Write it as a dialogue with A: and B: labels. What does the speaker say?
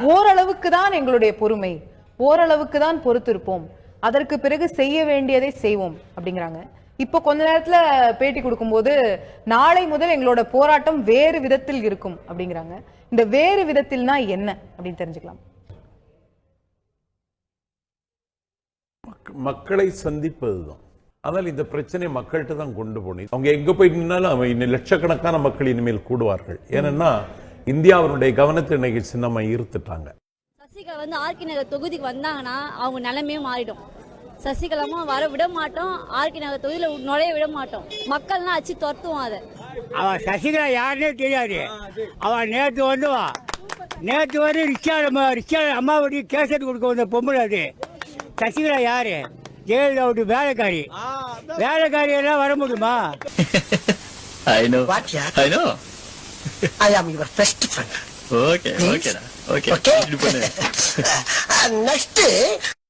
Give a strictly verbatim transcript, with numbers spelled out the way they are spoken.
A: ஓரளவுக்கு தான் எங்களுடைய பொறுமை, ஓரளவுக்கு தான் பொறுத்திருப்போம், அதற்கு பிறகு செய்ய வேண்டியதை செய்வோம் அப்படிங்கிறாங்க. இப்போ கொஞ்ச நேரத்துல பேட்டி கொடுக்கும்போது நாளை முதல் எங்களோட போராட்டம் வேறு விதத்தில் இருக்கும் அப்படிங்கிறாங்க. இந்த வேறு விதத்தில்னா என்ன அப்படின்னு தெரிஞ்சுக்கலாம்.
B: மக்களை சந்திப்பதுதான். ஆனால் இந்த பிரச்சனை மக்கள்கிட்ட தான் கொண்டு போனேன். அவங்க எங்க போய் நின்னாலும் அவங்க லட்சக்கணக்கான மக்கள் இனிமேல் கூடுவார்கள். ஏன்னா இந்தியாவினுடைய கவனத்தை இன்னைக்கு சின்னமா ஈர்த்துட்டாங்க.
C: சசிகலா வந்து ஆர்கே நகர் தொகுதிக்கு வந்தாங்கன்னா அவங்க நிலைமையும் மாறிடும். சசிகலாமா வர விட மாட்டோம், ஆர்கே நகர் தொகுதியில நுழைய விட மாட்டோம். மக்கள்லாம் அச்சு துரத்துவோம். அதை
D: அவன் சசிகலா யாருன்னே தெரியாது. அவன் நேற்று வந்துவா, நேற்று வந்து ரிக்ஷா ரிக்ஷா அம்மாவுடைய கேசட் கொடுக்க வந்த பொம்பளை. அது சசிகலா யாரு? ஜெயலலிதாவுடைய வேலைக்காரி. வேலைக்காரி எல்லாம் வர முடியுமா?
E: I know. What, yeah? I know.
F: I am your best friend.
E: Okay, okay, okay. Okay.
F: Next.